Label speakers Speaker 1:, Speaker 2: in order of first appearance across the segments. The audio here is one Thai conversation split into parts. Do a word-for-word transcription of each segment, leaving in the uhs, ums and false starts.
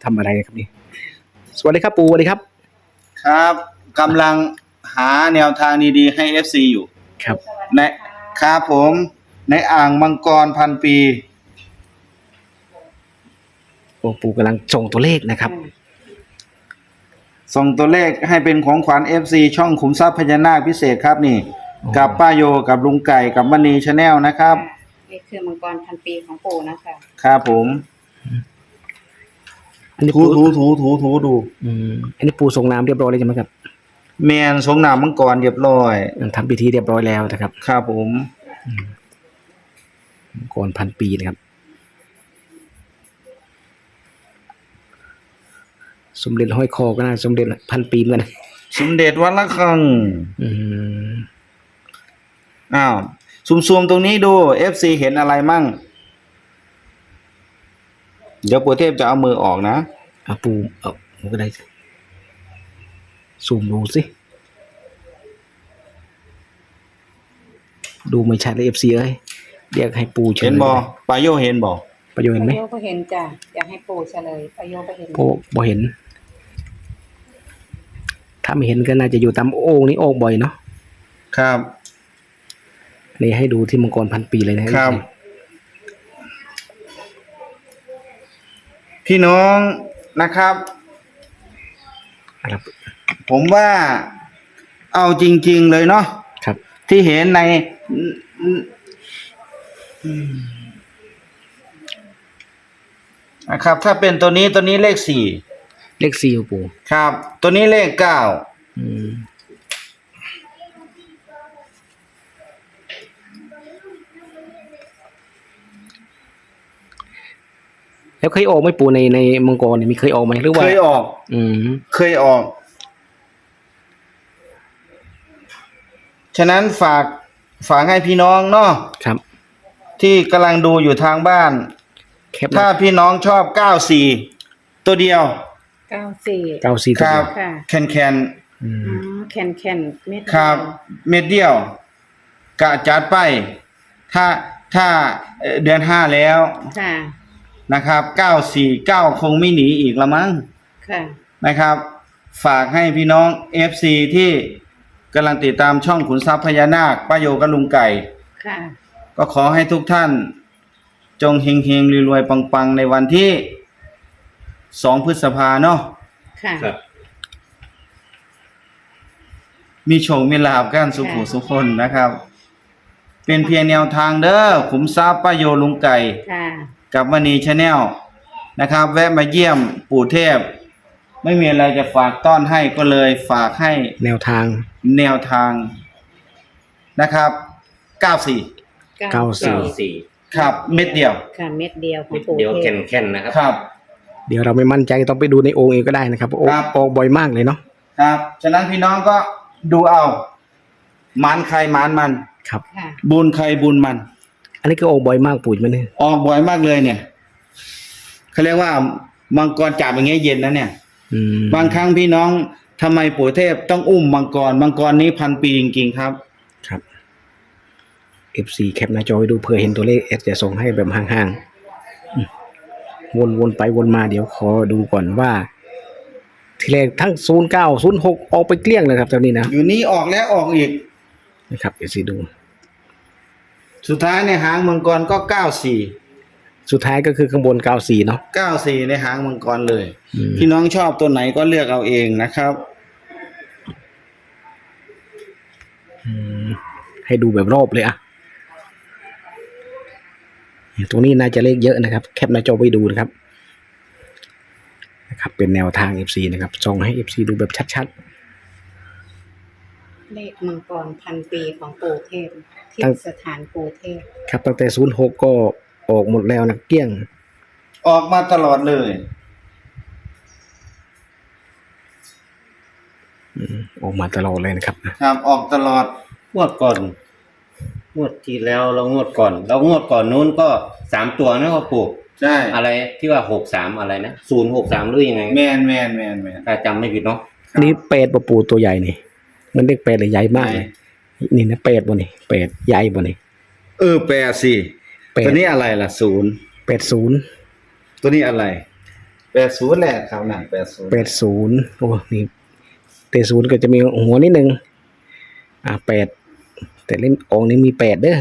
Speaker 1: ทำอะไรครับนี่สวัสดีครับปู่สวัสดีครับ
Speaker 2: ครับกำลังหาแนวทางดีๆให้ เอฟ ซี อยู่
Speaker 1: ครับ
Speaker 2: ในครับผมในอ่างมังกรพันปี
Speaker 1: โอ้ปู่กำลังส่งตัวเลขนะครับ
Speaker 2: ส่งตัวเลขให้เป็นของขวัญ เอฟ ซี ช่องขุมทรัพย์พญานาคพิเศษครับนี่กับป้าโยกับลุงไก่กับมณีชาแนลนะครับ
Speaker 3: นี่คือมังกรพันปีของปู่นะคะ
Speaker 2: ครับผม
Speaker 1: อันนี้
Speaker 2: ถู
Speaker 1: ปู่
Speaker 2: ถูถูถูถูดู
Speaker 1: อืมอันนี้ปู่ส่งน้ำเรียบร้อยเลยใช่ไหมครับ
Speaker 2: แมนสงน้ำมังกรเรียบร้อย
Speaker 1: ทำพิธีเรียบร้อยแล้วนะครับ
Speaker 2: ครับผม
Speaker 1: มังกรพันปีนะครับสมเด็จห้อยคอก็น่าสมเด็จพันปีเหมือนกัน
Speaker 2: สมเด็จวัดละคัง
Speaker 1: อืม
Speaker 2: อ้าวซูมๆตรงนี้ดู เอฟ ซี เห็นอะไรมั่งเดี๋ยวปู่เทพจะเอามือออกนะ
Speaker 1: อ่ะปู่เอาผมก็ได้ซูมดูสิดูไม่ชัดเลยเอฟซีเอ้ยเรียกให้ปู่เฉย
Speaker 2: เห็นบ่ปาโยเห็นบ่
Speaker 1: ประโยชน์เห็นไหม
Speaker 3: ปะโยก็เห็นจ้ะอยากให้ปู่เฉลยปะโยก็เห็น
Speaker 1: โอ้บ่เห็นถ้าไม่เห็นก็น่าจะอยู่ตามโอ่งนี้โอ่งบ่อยเนาะ
Speaker 2: ครับ
Speaker 1: นี่ให้ดูที่มังกรพันปีเลยนะครับ
Speaker 2: พี่น้องนะครับ
Speaker 1: ครับ
Speaker 2: ผมว่าเอาจริงๆเลยเนาะ
Speaker 1: ครับ
Speaker 2: ที่เห็นในนะครับถ้าเป็นตัวนี้ตัวนี้เลขสี่
Speaker 1: เลขสี่ปู่
Speaker 2: ครับตัวนี้เลขเก้า
Speaker 1: อืมแล้วเคยออกไหมปู่ในในมังกรเนี่ยมีเคยออกไหมหรือว่า
Speaker 2: เคยออก
Speaker 1: อืม
Speaker 2: เคยออกฉะนั้นฝากฝากให้พี่น้องเนาะ
Speaker 1: ครับ
Speaker 2: ที่กำลังดูอยู่ทางบ้านถ้าพี่น้องชอบเก้าสี่ตัวเดียว
Speaker 3: เก้าสี่
Speaker 1: เก้าสี่
Speaker 2: ครับแคนแคน
Speaker 3: อ๋อแคนแคนเม็ด
Speaker 2: ครับเม็ดเดียวกะจัดไปถ้าถ้าเดือนห้าแล้ว
Speaker 3: ค่ะ
Speaker 2: นะครับเก้าสี่เก้าคงไม่หนีอีกละมั้ง
Speaker 3: ค่ะ
Speaker 2: นะครับฝากให้พี่น้อง เอฟ ซี ที่กำลังติดตามช่องขุนทรัพย์พญานาคป้าโยกับลุงไก่
Speaker 3: ค่ะ
Speaker 2: ก็ขอให้ทุกท่านจงเฮงเฮงรวยๆปังๆในวันที่สองพฤษภาเนาะ
Speaker 3: ค่ะ
Speaker 2: มีโชคมีลาภกันสุขสุขคนนะครับเป็นเพียงแนวทางเด้อขุมทรัพย์ป้าโยลุงไก่กับมณีชาแนลนะครับแวะมาเยี่ยมปู่เทพไม่มีอะไรจะฝากต้อนให้ก็เลยฝากให้
Speaker 1: แนวทาง
Speaker 2: แนวทางนะครับเก้าสี่
Speaker 1: เก้าสี่
Speaker 2: ครับเม็ดเดียว
Speaker 3: ค่ะเม็ดเดียวของปู่
Speaker 4: เดียวแข็งๆนะครับ
Speaker 2: ครับ
Speaker 1: เดี๋ยวเราไม่มั่นใจต้องไปดูในโอ่งเองก็ได้นะครับโอ่งโอ่งบ่อยมากเลยเนาะ
Speaker 2: ครับฉะนั้นพี่น้องก็ดูเอาหมานใครหมานมัน
Speaker 1: ครับ
Speaker 2: บุญใครบุญมัน
Speaker 1: อันนี้ก็ออกบ่อยมากปู่มันเนี่ย
Speaker 2: ออกบ่อยมากเลยเนี่ยเขาเรียกว่ามังกรจับอย่างเงี้ยเย็นนะเนี่ยบางครั้งพี่น้องทำไมปู่เทพต้องอุ้มมังกรมังกรนี้พันปีจริงๆครับ
Speaker 1: ครับ เอฟ ซี แคปหน้าจอไปดูเผื่อเห็นตัวเลขเอสจะส่งให้แบบห่างๆวนๆไปวนมาเดี๋ยวขอดูก่อนว่าทีแรกทั้งศูนย์เก้า ศูนย์หกออกไปเกลี้ยงเลยครับตอนนี้นะ
Speaker 2: อยู่นี้ออกแล้วออกอีก
Speaker 1: นะครับ เอฟ ซี ดู
Speaker 2: สุดท้ายในหางมังกรก็เก้าสี่
Speaker 1: สุดท้ายก็คือข้างบนเก้าสี่เนาะ
Speaker 2: เก้าสี่ในหางมังกรเลยพี่น้องชอบตัวไหนก็เลือกเอาเองนะครับ
Speaker 1: ให้ดูแบบรอบเลยอะตรงนี้น่าจะเลขเยอะนะครับแคปหน้าจอไปดูนะครับนะครับเป็นแนวทาง เอฟ ซี นะครับส่งให้ เอฟ ซี ดูแบบชัด
Speaker 3: ๆเลขมังกรพันปีของปู่เทพที่สถานปู่เทพ
Speaker 1: ครับตั้งแต่ศูนย์หกก็ออกหมดแล้วนะเกลี้ยง
Speaker 2: ออกมาตลอดเลย
Speaker 1: ออกมาตลอดเลยนะครับ
Speaker 2: ครับออกตลอด
Speaker 4: งวดก่อนงวดที่แล้วเรางวดก่อนเรางวดก่อนนู้นก็สามตัวนะครับปู่
Speaker 2: ใช่
Speaker 4: อะไรที่ว่าหกสามอะไรนะศูนย์หกสามหรือยังไง
Speaker 2: แมนแมนแมนแมน
Speaker 4: ถ้าจำไม่ผิดเนาะ
Speaker 1: อันนี้เป็ดปะปูตัวใหญ่นี่มันเรียกเป็ดเลยใหญ่มากเลยนี่นะเป็ดบ่นี่เป็ดใหญ่บ่นี่
Speaker 2: เออแปดสิตัวนี้อะไรล่ะศูนย์
Speaker 1: เป็ดศูนย์
Speaker 2: ตัวนี้อะไรแปดศูนย์แหละครับนั่นแปดศูนย์
Speaker 1: แปดศูนย์โอ้นี่แต่ศูนย์ก็จะมีหัวนิดนึงอ่าแปดแต่เล่นออกนี้มีแปดเด้อ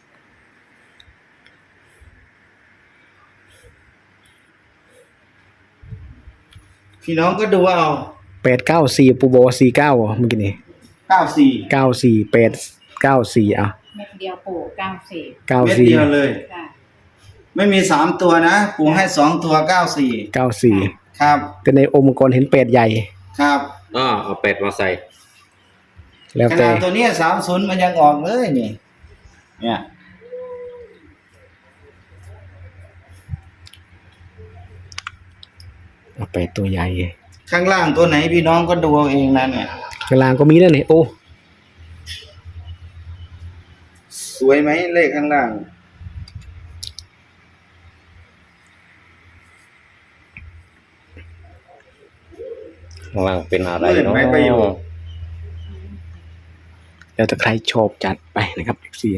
Speaker 2: พี่น้องก็ดูเอา
Speaker 1: แปดเก้าสี่ปูโบสี่เก้าอ่ะเมื่อกี้นี่
Speaker 2: เก้าสี่
Speaker 1: เก้าสี่แปดเก้าสี่อ่ะ
Speaker 3: เม็ดเดียวปู่เก้าสี่
Speaker 1: เก้า
Speaker 2: เม็ด
Speaker 1: สี่
Speaker 2: เดียวเลย
Speaker 3: ค่ะ
Speaker 2: ไม่มีสามตัวนะปู่ให้สองตัวเก้าสี่
Speaker 1: เก้าสี่
Speaker 2: ครับ
Speaker 1: แต่ในองค์มังกรเห็นแปดใหญ่
Speaker 2: ครับ
Speaker 4: อ๋อเอาเป็ดมาใส่
Speaker 1: แล้ว
Speaker 2: ข
Speaker 1: แต่
Speaker 2: นาดตัวเนี้สามศูนย์มันยังออกเลยนี่เนี่ย
Speaker 1: เอาแปดตัวใหญ่
Speaker 2: ข้างล่างตัวไหนพี่น้องก็ดูเอาเองนะเนี่ย
Speaker 1: ข้างล่างก็มีนั่นนี่โอ้
Speaker 2: สวยไหมเลขข้างล่าง
Speaker 4: ข้างล่างเป็นอะไร
Speaker 2: เห็น
Speaker 4: เนาะ
Speaker 2: ไหมประโยชน์
Speaker 1: แล้วแต่ใครชอบจัดไปนะครับเอฟซี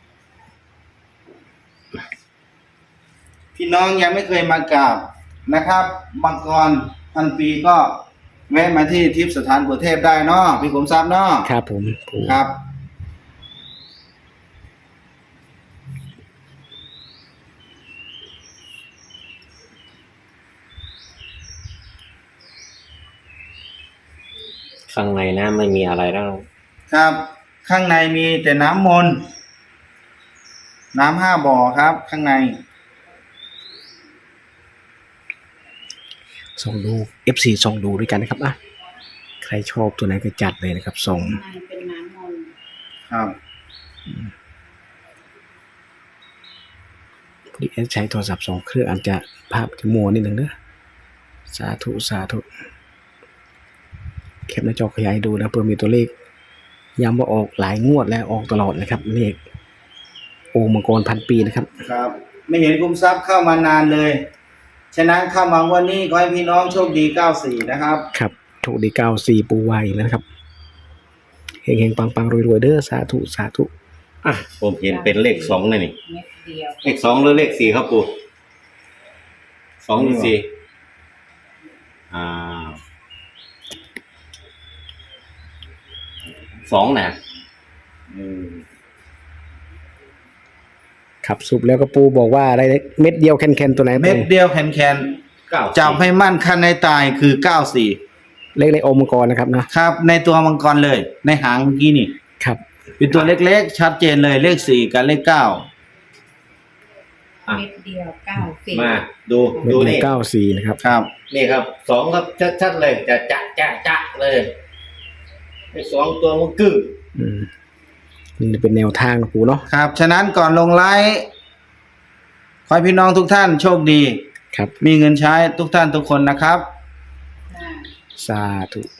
Speaker 2: พี่น้องยังไม่เคยมากราบนะครับมังกรพันปีก็แวะมาที่ทิพย์สถานปู่เทพได้เนาะพี่ขุมทรัพย์เนาะ
Speaker 1: ครับผมปู
Speaker 2: ครับ
Speaker 4: ข้างในนะไม่มีอะไรแล้ว
Speaker 2: ครับ ข้างในมีแต่น้ำมนต์น้ำห้าบ่อครับ ข้างใน
Speaker 1: ส่องดูเอฟซีส่องดูด้วยกันนะครับอ่ะใครชอบตัวไหนก็จัดเลยนะครับส่ง
Speaker 3: ข้างในเป็นน้ำมนต์
Speaker 2: ครับ
Speaker 1: พอดีเอสใช้โทรศัพท์สองเครื่องอาจจะภาพจะมัวนิดนึงเนอะสาธุสาธุแคปหน้าจอขยายดูนะเพื่อมีตัวเลขย้ำว่าออกหลายงวดแล้วออกตลอดนะครับเลขโอมังกรพันปีนะครับ
Speaker 2: ครับ ไม่เห็นคุมทรัพย์เข้ามานานเลย ฉะนั้นเข้ามาวันนี้ขอให้พี่น้องโชคดีเก้าสี่นะครับ
Speaker 1: ครับโชคดีเก้าสี่ปูไวแล้วนะครับเฮงเฮงปังปังรวยรวยๆเด้อสาธุสาธุ
Speaker 4: อ่ะผมเห็นเป็นเลขสองเลยนี่
Speaker 3: เม็ดเดียว
Speaker 4: เลขสองหรือเลขสี่ครับปู่สองหรือสี่อ่าสองนะอืม
Speaker 1: ครับสุบแล้วก็ปูบอกว่าอะไรนะเม็ดเดียวแคนๆตัวไหน
Speaker 2: เม็ดเดียวแคนแคน
Speaker 4: เก้า
Speaker 2: จับให้มั่นคันในตายคือเก้าสี่
Speaker 1: เลขในโอมังกรนะครับนะครับ
Speaker 2: ในตัวมังกรเลย ในหางเมื่อกี้นี่
Speaker 1: ครับ
Speaker 2: เป็นตัวเล็กๆ ชัดเจนเลยเลขสี่กับเลขเก้า
Speaker 4: อ่ะ
Speaker 3: เม็ดเดียวเก้าสี่
Speaker 4: มาดู
Speaker 1: เม็ด
Speaker 4: ดู
Speaker 1: เดียว
Speaker 4: นี่
Speaker 1: เก้าสี่นะครับ
Speaker 2: ครับ
Speaker 4: นี่ครับสองครับชัดๆเลยจะจะจะจะเลยไอ้สองตัวมันกึ่ง
Speaker 1: อืมนี่เป็นแนวทางนะปูเนาะ
Speaker 2: ครับ ฉะนั้นก่อนลงไลฟ์ขอให้พี่น้องทุกท่านโชคดี
Speaker 1: ครับ
Speaker 2: มีเงินใช้ทุกท่านทุกคนนะครับ
Speaker 3: ค่ะ
Speaker 1: สาธุ